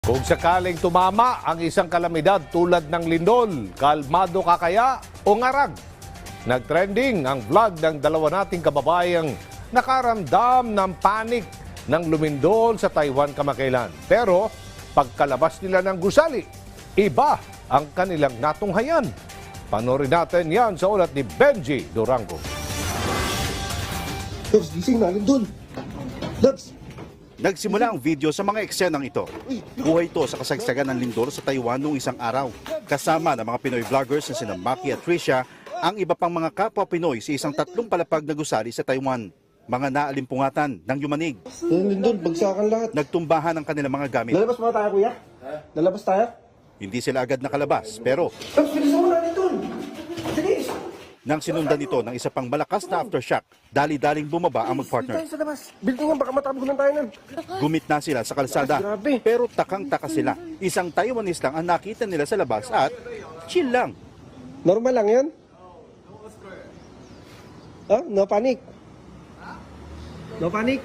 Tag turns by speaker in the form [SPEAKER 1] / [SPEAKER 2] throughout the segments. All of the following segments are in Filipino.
[SPEAKER 1] Kung sakaling tumama ang isang kalamidad tulad ng lindol, kalmado ka kaya o ngarag? Nagtrending ang vlog ng dalawa nating kababayang nakaramdam ng panik ng lumindol sa Taiwan kamakailan. Pero pagkalabas nila ng gusali, iba ang kanilang natunghayan. Panorin natin yan sa ulat ni Benji Durango.
[SPEAKER 2] Labs, gising na, lindol. Labs!
[SPEAKER 3] Nagsimula ang video sa mga eksenang ito. Buhay ito sa kasagsagan ng lindol sa Taiwan noong isang araw. Kasama ng mga Pinoy vloggers na sina Maki at Tricia, ang iba pang mga kapwa Pinoy sa isang 3 palapag na gusali sa Taiwan. Mga naalimpungatan ng yumanig.
[SPEAKER 2] Lindol, bagsakan lahat.
[SPEAKER 3] Nagtumbahan ang kanilang mga gamit.
[SPEAKER 2] Lalabas muna tayo, kuya? Lalabas tayo?
[SPEAKER 3] Hindi sila agad nakalabas, pero
[SPEAKER 2] Labs, bilisan mo na, lindol! Bilis!
[SPEAKER 3] nang sinundan ito ng isa pang malakas na aftershock, dali-daling bumaba ang mag-partner.
[SPEAKER 2] Tayo sa labas. Building yan, baka matabunan tayo nun.
[SPEAKER 3] Gumit na sila sa kalsada,
[SPEAKER 2] Grabe.
[SPEAKER 3] pero takang-taka sila. Isang Taiwanese lang ang nakita nila sa labas at chill lang.
[SPEAKER 2] Normal lang yan? Ah, no panic. No panic?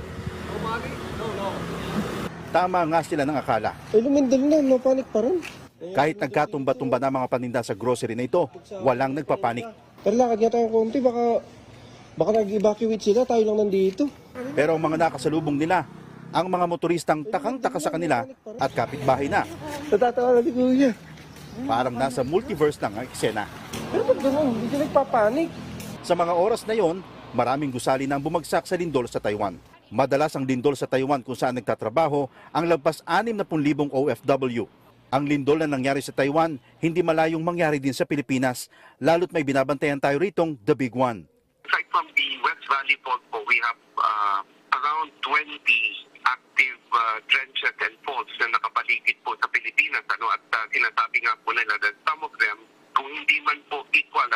[SPEAKER 3] Tama nga sila ng akala.
[SPEAKER 2] Ay, lumindol na, no panic pa rin.
[SPEAKER 3] Kahit nagkatumba-tumba na mga paninda sa grocery na ito, walang nagpapanik.
[SPEAKER 2] Pero lakad nga tayong konti, baka nag-evacuate sila, tayo lang nandito.
[SPEAKER 3] Pero ang mga nakasalubong nila, ang mga motoristang takang-taka sa kanila at kapitbahay na.
[SPEAKER 2] Natatawa na si kuya.
[SPEAKER 3] Parang nasa multiverse lang ang eksena.
[SPEAKER 2] Pero ba't ganun? Hindi sila nagpapanik.
[SPEAKER 3] Sa mga oras na yon, maraming gusali na ang bumagsak sa lindol sa Taiwan. Madalas ang lindol sa Taiwan kung saan nagtatrabaho ang lagpas 60,000 OFW. Ang lindol na nangyari sa Taiwan, hindi malayong mangyari din sa Pilipinas, lalo't may binabantayan tayo ritong The Big One.
[SPEAKER 4] Aside from the West Valley fault po, we have around 20 active trenches and faults na nakapaligid po sa Pilipinas. At sinasabi nga po nila that some of them, kung hindi man po equal,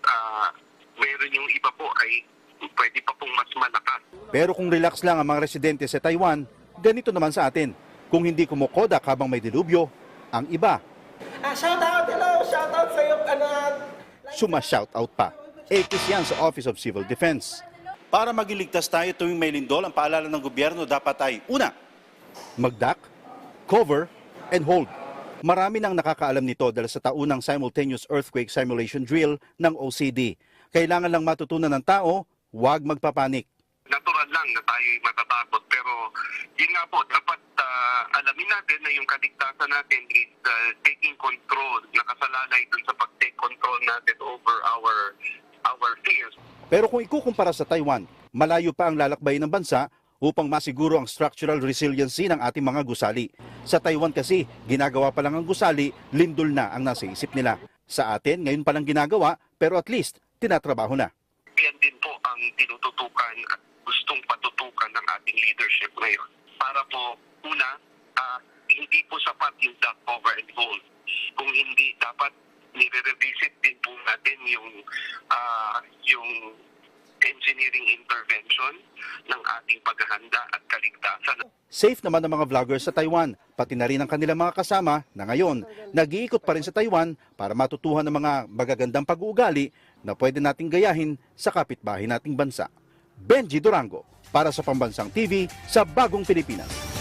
[SPEAKER 4] meron yung iba po ay pwede pa pong mas malakas.
[SPEAKER 3] Pero kung relax lang ang mga residente sa Taiwan, ganito naman sa atin. Kung hindi kumukodak habang may dilubyo, ang iba
[SPEAKER 2] Shout out, hello! Shout out sa'yo,
[SPEAKER 3] suma-shoutout pa. Ekis yan sa Office of Civil Defense. Para magiligtas tayo tuwing may lindol, ang paalala ng gobyerno dapat ay, una, magdak, cover, and hold. Marami nang nakakaalam nito dahil sa taunang simultaneous earthquake simulation drill ng OCD. Kailangan lang matutunan ng tao, huwag magpapanik.
[SPEAKER 4] Natural lang na tayo'y matatakot, pero yun nga po, dapat alamin natin na yung kaligtasan natin is taking control, nakasalalay dun sa pag-take control natin over our fears.
[SPEAKER 3] Pero kung ikukumpara sa Taiwan, malayo pa ang lalakbay ng bansa upang masiguro ang structural resiliency ng ating mga gusali. Sa Taiwan kasi, ginagawa pa lang ang gusali, lindol na ang nasa isip nila. Sa atin, ngayon pa lang ginagawa, pero at least, tinatrabaho na.
[SPEAKER 4] Yan din po ang tinututukan at gustong patutukan ng ating leadership ngayon. Para po, una, hindi po sapat yung duck cover and hold. Kung hindi, dapat nire-revisit din po natin yung engineering intervention ng ating paghahanda at kaligtasan.
[SPEAKER 3] Safe naman ang mga vloggers sa Taiwan, pati na rin ang kanilang mga kasama na ngayon nag-iikot pa rin sa Taiwan para matutuhan ng mga magagandang pag-uugali na pwede nating gayahin sa kapitbahay nating bansa. Benji Durango, para sa Pambansang TV sa Bagong Pilipinas.